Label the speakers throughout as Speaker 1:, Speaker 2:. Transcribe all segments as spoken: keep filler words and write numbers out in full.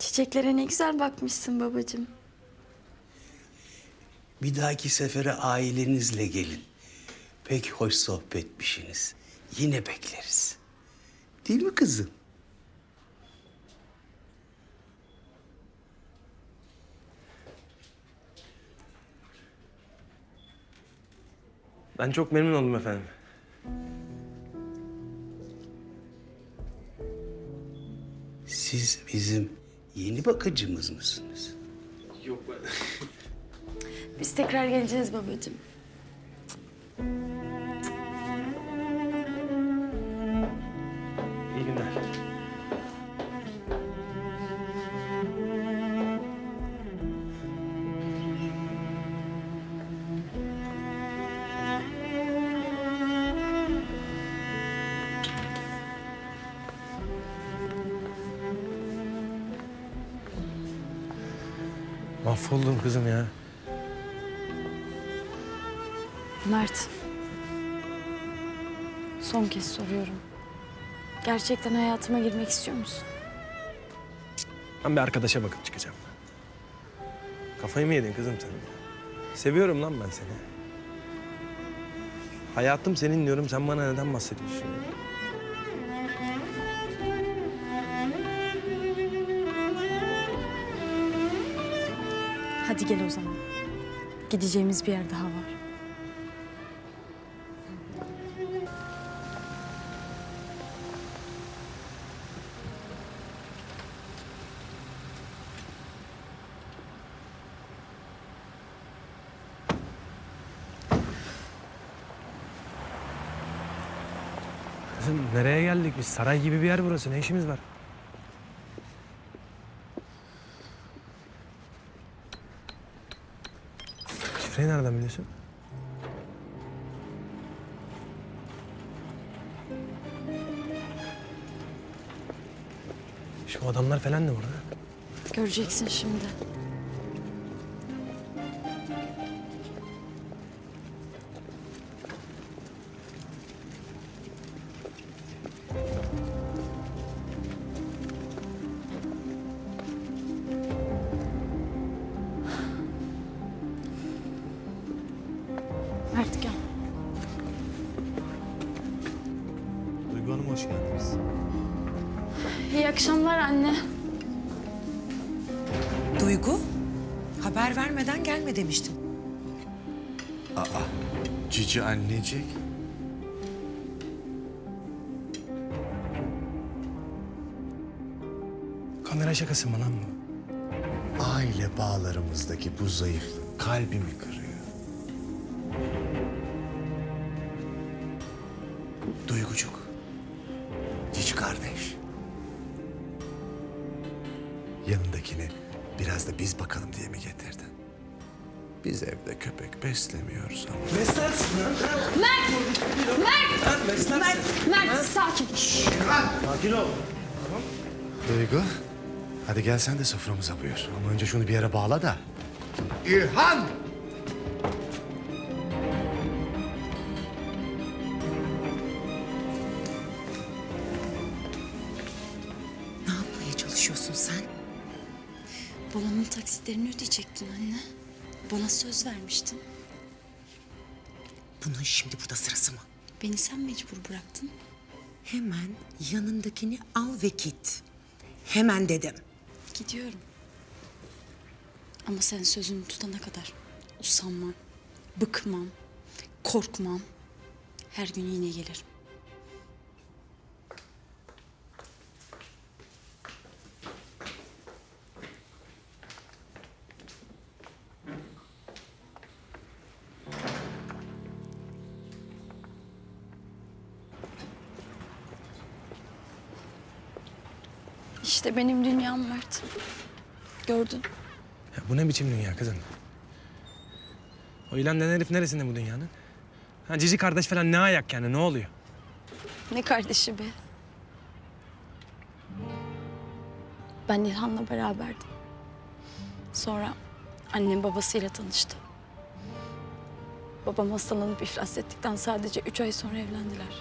Speaker 1: Çiçeklere ne güzel bakmışsın babacığım.
Speaker 2: Bir dahaki sefere ailenizle gelin. Pek hoş sohbetmişsiniz. Yine bekleriz. Değil mi kızım?
Speaker 3: Ben çok memnun oldum efendim.
Speaker 2: Siz bizim yeni bakıcımız mısınız?
Speaker 3: Yok ben...
Speaker 1: Biz tekrar geleceğiz babacığım.
Speaker 3: İyi günler. Mahvoldum kızım ya.
Speaker 1: Mert. Son kez soruyorum. Gerçekten hayatıma girmek istiyor musun?
Speaker 3: Ben bir arkadaşa bakıp çıkacağım. Kafayı mı yedin kızım sen? Seviyorum lan ben seni. Hayatım senin diyorum, sen bana neden bahsediyorsun?
Speaker 1: Hadi gel o zaman. Gideceğimiz bir yer daha var.
Speaker 3: Kızım nereye geldik biz? Saray gibi bir yer burası. Ne işimiz var? Şifreyi nereden biliyorsun? Şu adamlar falan da burada.
Speaker 1: Göreceksin şimdi. Mert gel.
Speaker 3: Duygu Hanım hoş geldiniz.
Speaker 1: İyi akşamlar anne.
Speaker 4: Duygu, haber vermeden gelme demiştim.
Speaker 2: Cici annecik.
Speaker 3: Kamera şakası mı lan bu?
Speaker 2: Aile bağlarımızdaki bu zayıflık kalbimi kırıyor. Duygucuk. Cici kardeş. Yanındakini biraz da biz bakalım diye mi getirdin? Biz evde köpek beslemiyoruz ama.
Speaker 3: Beslersin lan.
Speaker 1: Mert!
Speaker 3: Beslersin.
Speaker 1: Mert sakin.
Speaker 3: Sakin ol.
Speaker 2: Duygu, hadi gel sen de soframıza buyur. Ama önce şunu bir yere bağla da. İlhan!
Speaker 4: Ne yapmaya çalışıyorsun sen?
Speaker 1: Babamın taksitlerini ödeyecektin anne. Bana söz vermiştin.
Speaker 4: Bunun şimdi burada sırası mı?
Speaker 1: Beni sen mecbur bıraktın.
Speaker 4: Hemen yanındakini al ve git. Hemen dedim.
Speaker 1: Gidiyorum. Ama sen sözünü tutana kadar usanmam, bıkmam, korkmam. Her gün yine gelirim. İşte benim dünyam Mert. Gördün.
Speaker 3: Ya bu ne biçim dünya kızım? O ilan denen herif neresinde bu dünyanın? Ha, cici kardeş falan ne ayak yani, ne oluyor?
Speaker 1: Ne kardeşi be. Ben İlhan'la beraberdim. Sonra annem babasıyla tanıştı. Babam hastalanıp iflas ettikten sadece üç ay sonra evlendiler.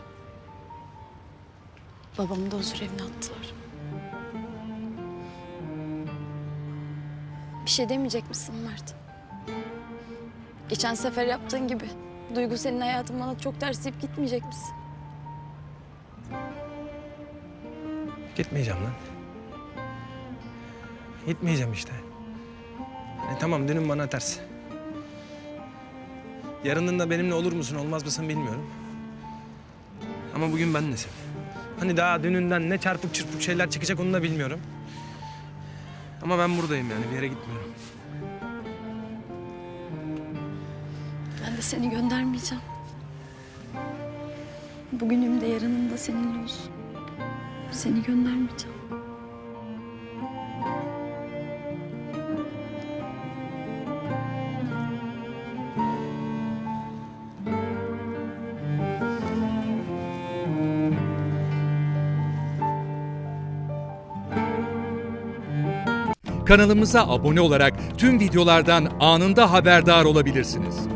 Speaker 1: Babamı da huzur evine attılar. Bir şey demeyecek misin Mert? Geçen sefer yaptığın gibi. Duygu senin hayatın bana çok ters deyip gitmeyecek misin?
Speaker 3: Gitmeyeceğim lan. Gitmeyeceğim işte. E, tamam dünün bana ters. Yarının da benimle olur musun olmaz mısın bilmiyorum. Ama bugün benlesin. Hani daha dününden ne çarpık çırpık şeyler çıkacak onu da bilmiyorum. Ama ben buradayım yani bir yere gitmiyorum.
Speaker 1: Ben de seni göndermeyeceğim. Bugünüm de yarının da seninle olsun. Seni göndermeyeceğim.
Speaker 5: Kanalımıza abone olarak tüm videolardan anında haberdar olabilirsiniz.